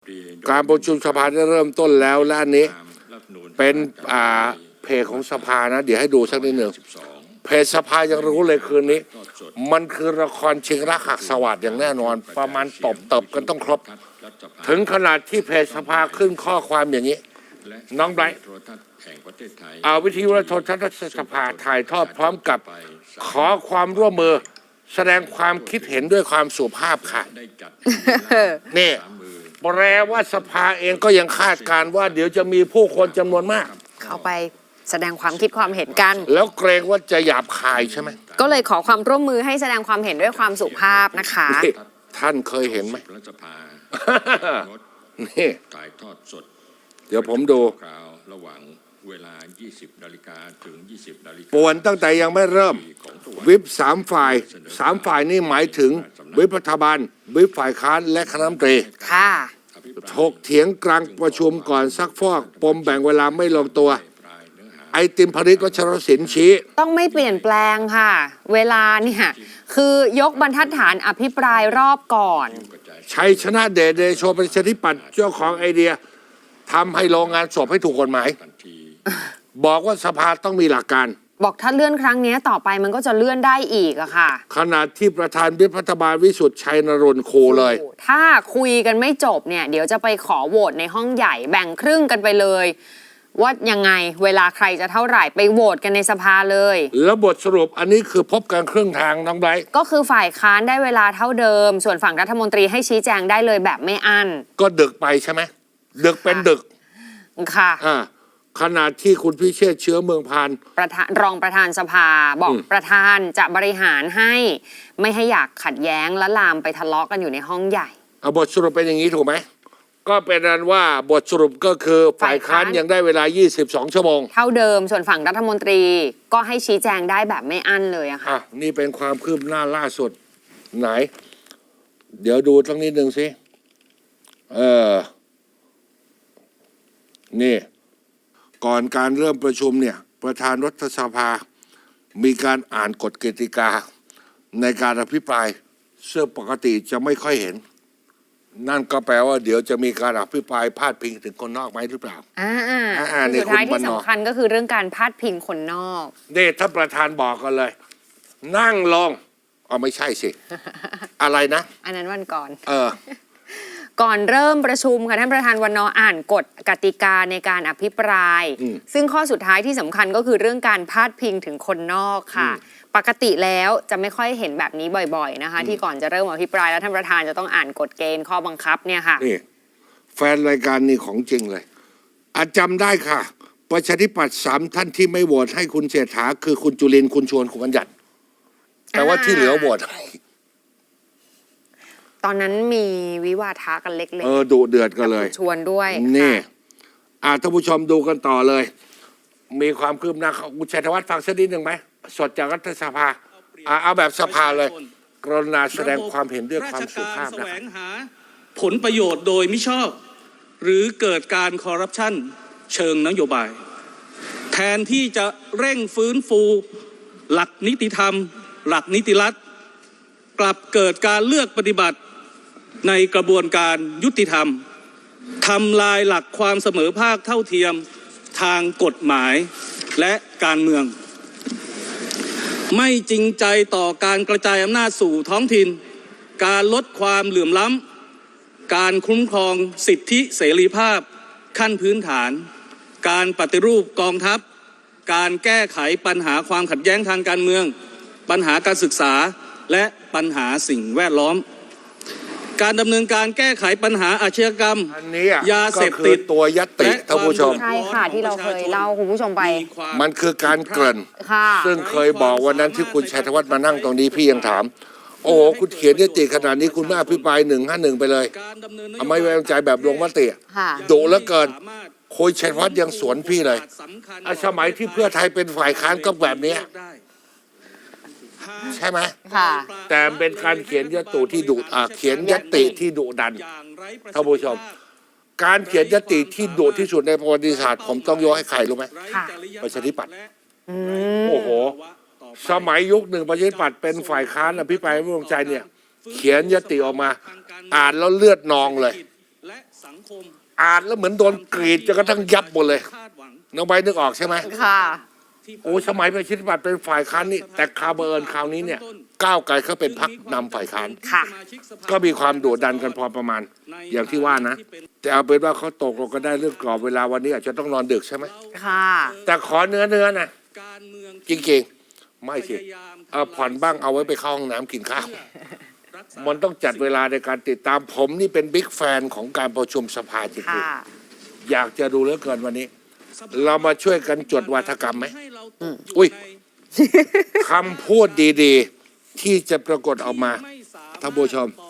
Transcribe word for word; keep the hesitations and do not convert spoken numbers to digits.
การประชุมสภาได้เริ่มต้นแล้วและอันนี้เป็นอ่าเพจของสภานะเดี๋ยวให้ดูสักนิดหนึ่งเพจสภายังรู้เลยคืนนี้มันคือละครชิงรักหักสวัสดิ์อย่างแน่นอนประมาณตบตบกันต้องครบถึงขนาดที่เพจสภาขึ้นข้อความอย่างนี้น้องไบรท์เอาวิทยุและโทรทัศน์สภาถ่ายทอดพร้อมกับขอความร่วมมือแสดงความคิดเห็นด้วยความสุภาพค่ะนี่แปลว่าสภาเองก็ยังคาดการณ์ว่าเดี๋ยวจะมีผู้คนจำนวนมากเข้าไปแสดงความคิดความเห็นกันแล้วเกรงว่าจะหยาบคายใช่ไหมก็เลยขอความร่วมมือให้แสดงความเห็นด้วยความสุภาพนะคะท่านเคยเห็นไหมนี่ถ่ายทอดสดเดี๋ยวผมดูระหว่างเวลายี่สิบนาฬิกาถึงยี่สิบนาฬิกาป่วนตั้งแต่ยังไม่เริ่มวิปสามฝ่ายสามฝ่ายนี่หมายถึงวิปรัฐบาลวิปฝ่ายค้านและคณะรัฐมนตรีค่ะถกเถียงกลางประชุมก่อนซักฟอกปมแบ่งเวลาไม่ลงตัวไอติมพริตวัชรศิลป์ชี้ต้องไม่เปลี่ยนแปลงค่ะเวลาเนี่ยคือยกบรรทัดฐานอภิปรายรอบก่อนชัยชนะเดชเดโชประชาธิปัตย์เจ้าของไอเดียทำให้โรงงานศพให้ถูกกฎหมายบอกว่าสภาต้องมีหลักการบอกถ้าเลื่อนครั้งนี้ต่อไปมันก็จะเลื่อนได้อีกอะค่ะขณะที่ประธานวิปรัฐบาลวิสุทธิ์ชัยนรนท์คูเลยถ้าคุยกันไม่จบเนี่ยเดี๋ยวจะไปขอโหวตในห้องใหญ่แบ่งครึ่งกันไปเลยว่ายังไงเวลาใครจะเท่าไหร่ไปโหวตกันในสภาเลยแล้วบทสรุปอันนี้คือพบกันครึ่งทางน้องไบรท์ก็คือฝ่ายค้านได้เวลาเท่าเดิมส่วนฝั่งรัฐมนตรีให้ชี้แจงได้เลยแบบไม่อั้นก็ดึกไปใช่ไหมดึกเป็นดึกค่ะอ่าขณะที่คุณพิเชษฐ์เชื้อเมืองพานประธานรองประธานสภาบอกประธานจะบริหารให้ไม่ให้อยากขัดแย้งและลามไปทะเลาะกันอยู่ในห้องใหญ่เอาบทสรุปเป็นอย่างนี้ถูกไหมก็เป็นนั้นว่าบทสรุปก็คือฝ่ายค้านยังได้เวลายี่สิบสองชั่วโมงเท่าเดิมส่วนฝั่งรัฐมนตรีก็ให้ชี้แจงได้แบบไม่อั้นเลยอะค่ะนี่เป็นความคืบหน้าล่าสุดไหนเดี๋ยวดูสักนิดหนึ่งสิเออนี่ก่อนการเริ่มประชุมเนี่ยประธานรัฐสภามีการอ่านกฎกติกาในการอภิปรายซึ่งปกติจะไม่ค่อยเห็นนั่นก็แปลว่าเดี๋ยวจะมีการอภิปรายพาดพิงถึงคนนอกไหมหรือเปล่าอ่าอ่าสุดท้ายที่สำคัญก็คือเรื่องการพาดพิงคนนอกนี่ถ้าประธานบอกกันเลยนั่งลงอ๋อไม่ใช่สิ อะไรนะอันนั้นวันก่อนเออก่อนเริ่มประชุมค่ะท่านประธานวันนออ่านกฎกติกาในการอภิปรายซึ่งข้อสุดท้ายที่สำคัญก็คือเรื่องการพาดพิงถึงคนนอกค่ะปกติแล้วจะไม่ค่อยเห็นแบบนี้บ่อยๆนะคะที่ก่อนจะเริ่มอภิปรายแล้วท่านประธานจะต้องอ่านกฎเกณฑ์ข้อบังคับเนี่ยค่ะนี่แฟนรายการนี่ของจริงเลยอาจำได้ค่ะประชาธิปัตย์สามท่านที่ไม่โหวตให้คุณเศรษฐาคือคุณจุลินทร์คุณชวนคุณบัญญัติแต่ว่าที่เหลือโหวตให้ตอนนั้นมีวิวาทะกันเล็กๆเออดุเดือดกันเลยชวนด้วยนี่อ่าท่านผู้ชมดูกันต่อเลยมีความคืบหน้าคุณชัยธวัฒน์ฟังสักนิดหนึ่งไหมสดจากรัฐสภาอ่าเอาแบบสภาเลยกรุณาแสดงความเห็นด้วยความสุภาพนะครับผลประโยชน์โดยมิชอบหรือเกิดการคอร์รัปชันเชิงนโยบายแทนที่จะเร่งฟื้นฟูหลักนิติธรรมหลักนิติรัฐกลับเกิดการเลือกปฏิบัติในกระบวนการยุติธรรมทำลายหลักความเสมอภาคเท่าเทียมทางกฎหมายและการเมืองไม่จริงใจต่อการกระจายอำนาจสู่ท้องถิ่นการลดความเหลื่อมล้ำการคุ้มครองสิทธิเสรีภาพขั้นพื้นฐานการปฏิรูปกองทัพการแก้ไขปัญหาความขัดแย้งทางการเมืองปัญหาการศึกษาและปัญหาสิ่งแวดล้อมการดำเนินการแก้ไขปัญหาอาชญากรรมยาเสพติดตัวยัตติท่านผู้ชมใช่ค่ะที่เราเคยเล่าคุณผู้ชมไปมันคือการเกริ่นซึ่งเคยบอกวันนั้นที่คุณชัยธวัฒน์มานั่งตรงนี้พี่ยังถามโอ้คุณเขียนยัตติขนาดนี้คุณไม่อภิปรายหนึ่งห้าหนึ่งไปเลยเอาไม่ไว้วางใจแบบลงมติดุเหลือเกินคุณชัยธวัฒน์ยังสวนพี่เลยสมัยที่เพื่อไทยเป็นฝ่ายค้านก็แบบนี้ใช่ไหมค่ะแต่เป็นการเขียนยติที่ดุอ่าเขียนยติที่ดุดันท่านผู้ชมการเขียนยติที่ดุที่สุดในประวัติศาสตร์ผมต้องยกให้ใครรู้ไหมประชาธิปัตย์โอ้โหสมัยยุคหนึ่งประชาธิปัตย์เป็นฝ่ายค้านอภิปรายไม่ไว้วางใจเนี่ยเขียนยติออกมาอ่านแล้วเลือดนองเลยสังคมอ่านแล้วเหมือนโดนกรีดจนกระทั่งยับหมดเลยคาดหวังน้องใบร์ทนึกออกใช่ไหมค่ะโอ้สมัยประชาธิปัตย์เป็นฝ่ายค้านนี่แต่คราวบังเอิญคราวนี้เนี่ยก้าวไกลเขาเป็นพรรคนำฝ่ายค้านค่ะก็มีความโดดดันกันพอประมาณ อย่างที่ว่านะ แต่เอาเป็นว่าเขาตกลงกันได้เรื่องกรอบเวลาวันนี้อาจจะต้องนอนดึกใช่ไหมค่ะแต่ขอเนื้อเนื้อนะการเมืองจริงๆไม่สิเอาผ่อนบ้างเอาไว้ไปเข้าห้องน้ำกินข้าวมันต้องจัดเวลาในการติดตามผมนี่เป็นบิ๊กแฟนของการประชุมสภาจริงค่ะๆอยากจะดูเหลือเกินวันนี้ เรามาช่วยกันจดวาทกรรมไหมอุ้ยคำพูดดีๆ ที่จะปรากฏออกมาท่านผู้ชมต่อ